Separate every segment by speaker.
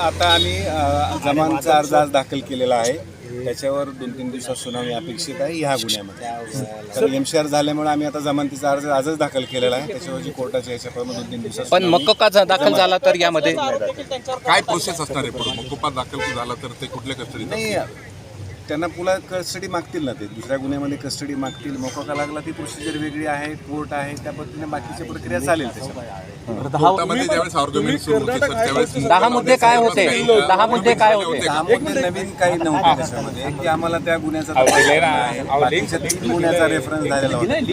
Speaker 1: आता आम्ही जमानचा अर्ज आज दाखल केलेला आहे. त्याच्यावर 2-3 दिवसात सुनावणी अपेक्षित आहे ह्या गुन्ह्यामध्ये. तर एमसीआर झाल्यामुळे आम्ही आता जमानतीचा अर्ज आजच दाखल केलेला आहे. त्याच्यावरची कोर्टाच्या ह्याच्याप्रमाणे 2-3 दिवसात.
Speaker 2: पण मकोका दाखल झाला तर यामध्ये
Speaker 3: काय प्रोसेस असणार आहे? पुढे मकोका दाखल झाला तर ते कुठल्या कस्टडीत
Speaker 1: नाही, त्यांना पुन्हा कस्टडी मागतील ना, ते दुसऱ्या गुन्ह्यामध्ये कस्टडी मागतील. मोकोका लागला ती प्रोसिजर वेगळी आहे, कोर्ट आहे, त्या पद्धतीने बाकीची प्रक्रिया चालेल. त्याच्यामध्ये
Speaker 3: कोर्टामध्ये ज्यावेळेस आर्ग्युमेंट सुरू होते सर त्यावेळेस
Speaker 2: 10 मुद्दे काय होते? 10 मुद्दे काय होते?
Speaker 1: 10 मुद्दे नवीन काही नव्हते त्याच्यामध्ये, की आम्हाला त्या गुन्ह्याचा तपास करायचा आहे. बाकीच्या 3 गुन्ह्याचा रेफरन्स झालेला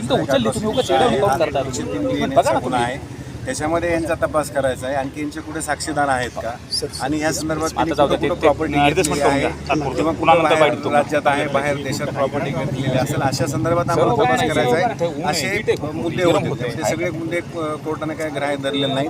Speaker 1: होता. गुन्हा आहे त्याच्यामध्ये यांचा तपास करायचा आहे. आणखी यांचे कुठे साक्षीदार आहेत का, आणि ह्या संदर्भात प्रॉपर्टी घेतलेली आहे किंवा कुठं राज्यात आहे, बाहेर देशात प्रॉपर्टी घेतलेली असेल, अशा संदर्भात आम्हाला तपास करायचा आहे. असे मुद्दे होते. ते सगळे मुद्दे कोर्टाने काय ग्राह्य धरलेले नाहीत.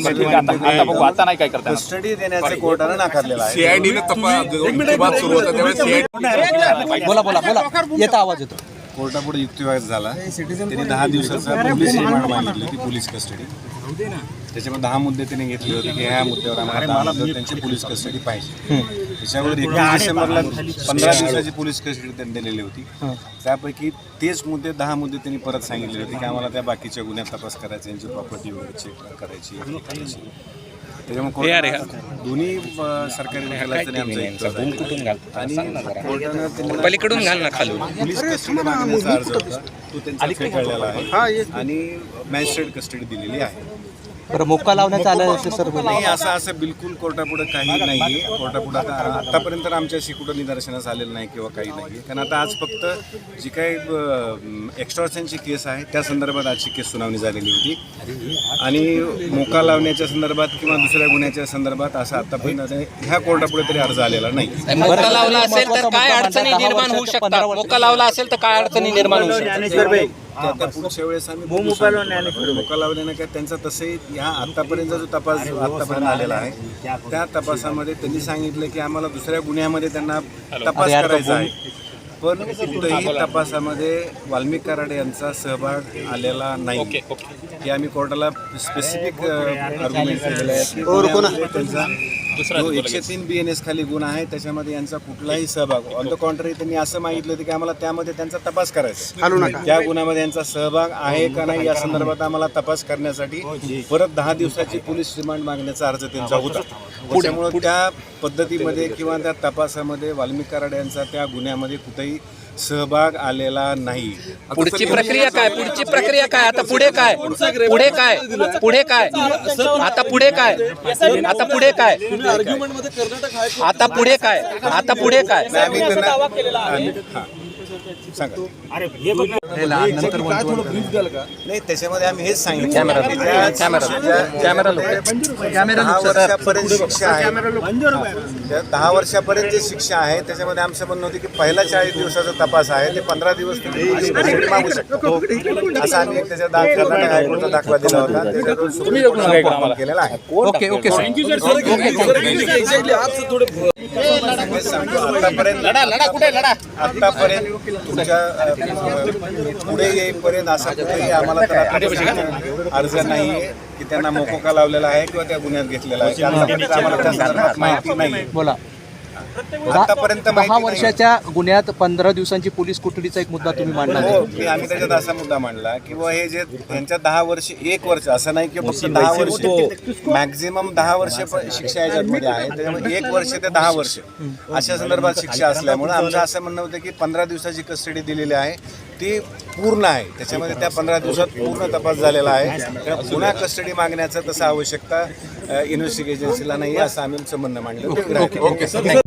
Speaker 1: कस्टडी देण्याचे कोर्टाने नाकारलेलं आहे.
Speaker 3: सीआयडीने तपास सुरू होता त्यावेळेस
Speaker 2: बोला येता आवाज येतो.
Speaker 1: कोर्टापुढे युक्तिवाद झाला. त्यांनी 10 दिवसाचा पोलीस रिमांड मागितली होती, पोलीस कस्टडी. त्याच्यामध्ये 10 मुद्दे त्यांनी घेतले होते की ह्या मुद्द्यावर आम्हाला त्यांची पोलीस कस्टडी पाहिजे. त्याच्यावर 21 डिसेंबरला 15 दिवसाची पोलीस कस्टडी त्यांनी दिलेली होती. त्यापैकी तेच मुद्दे 10 मुद्दे त्यांनी परत सांगितले होते की आम्हाला त्या बाकीच्या गुन्ह्यात तपास करायचा, यांची प्रॉपर्टी वगैरे चेक करायची. त्याच्यामुळे दोन्ही सरकारी
Speaker 2: पलीकडून घाल ना खाली.
Speaker 1: पोलीस कस्टडी मागण्याचा अर्ज होता तो त्यांचा फेटाळलेला आहे आणि मॅजिस्ट्रेट कस्टडी दिलेली आहे.
Speaker 2: बरं, मोक्का लावण्यात आलं सर?
Speaker 1: नाही, असं बिलकुल कोर्टापुढे काही नाही आहे. कोर्टापुढे आतापर्यंत आमच्याशी कुठं निदर्शनास आलेलं नाही किंवा काही नाही आहे. कारण आता आज फक्त जी काही एक्स्टॉर्शनची केस आहे त्या संदर्भात आजची केस सुनावणी झालेली होती, आणि मोका लावण्याच्या संदर्भात किंवा दुसऱ्या गुन्ह्याच्या संदर्भात असं आतापर्यंत ह्या कोर्टापुढे तरी अर्ज आलेला नाही.
Speaker 2: मोक्का लावला असेल तर काय अडचणी निर्माण होऊ शकतात? मोक्का लावला असेल तर काय अडचणी निर्माण होऊ शकतात?
Speaker 1: त्या पुढच्या वेळेस आम्ही मोका लावल्यानं काय त्यांचा तसंही ह्या आतापर्यंतचा जो तपास आतापर्यंत आलेला आहे त्या तपासामध्ये त्यांनी सांगितलं की आम्हाला दुसऱ्या गुन्ह्यामध्ये त्यांना तपास करायचा आहे, पण कुठेही तपासामध्ये वाल्मिक कराड यांचा सहभाग आलेला नाही. की आम्ही कोर्टाला स्पेसिफिक आर्ग्युमेंट केलेलं आहे की त्यांचा जो 103 BNS खाली गुन्हा आहे त्याच्यामध्ये यांचा कुठलाही सहभाग, ऑन द कॉन्ट्ररी त्यांनी असं मागितलं होतं की आम्हाला त्यामध्ये त्यांचा तपास करायचा, त्या गुन्ह्यामध्ये यांचा सहभाग आहे का नाही या संदर्भात आम्हाला तपास करण्यासाठी परत 10 दिवसाची पोलीस रिमांड मागण्याचा अर्ज त्यांचा होता. त्याच्यामुळे त्या पद्धतीमध्ये किंवा त्या तपासामध्ये वाल्मिक कराड यांचा त्या गुन्ह्यामध्ये कुठेही सहभाग आलेला नाही.
Speaker 2: पुढची प्रक्रिया काय? पुढची प्रक्रिया काय? आता पुढे काय? पुढे काय? पुढे काय? आता पुढे काय? आता पुढे काय? आता पुढे काय? आता पुढे काय?
Speaker 1: नाही, त्याच्यामध्ये आम्ही हेच सांगितलं वर्षापर्यंत शिक्षा आहे. 10 वर्षापर्यंत जी शिक्षा आहे त्याच्यामध्ये आमचं म्हणणं होतं की पहिला 40 दिवसाचा तपास आहे ते 15 दिवस मागू शकतो, असा आम्ही एक त्याच्या कर्नाटक हायकोर्टचा दाखला दिला होता. त्याच्यातून सुप्रीम कोर्टाने केलेला आहे.
Speaker 2: ओके ओके
Speaker 1: आतापर्यंत तुमच्या पुढे येईपर्यंत असा कुठेही आम्हाला अर्ज नाही आहे की त्यांना मोकोका लावलेला आहे किंवा त्या गुन्ह्यात घेतलेला आहे. आम्हाला त्या संदर्भात माहिती नाही.
Speaker 2: बोला.
Speaker 1: आतापर्यंत
Speaker 2: 10 वर्षाच्या गुन्ह्यात 15 दिवसांची पोलीस कोठडीचा एक मुद्दा तुम्ही मांडला.
Speaker 1: आम्ही त्याच्यात असा मुद्दा मांडला की हे जे त्यांच्या 10 वर्ष 1 वर्ष असं नाही की फक्त 10 वर्ष, मॅक्झिमम 10 वर्ष शिक्षा याच्यामध्ये आहे. त्याच्यामुळे 1 वर्ष ते 10 वर्ष अशा संदर्भात शिक्षा असल्यामुळे आमचं असं म्हणणं होतं की 15 दिवसाची कस्टडी दिलेली आहे ती पूर्ण आहे. त्याच्यामध्ये त्या 15 दिवसात पूर्ण तपास झालेला आहे. पुन्हा कस्टडी मागण्याचं तसं आवश्यकता इन्व्हेस्टिगेशन एजन्सीला नाही असं आम्ही म्हणणं मांडलं.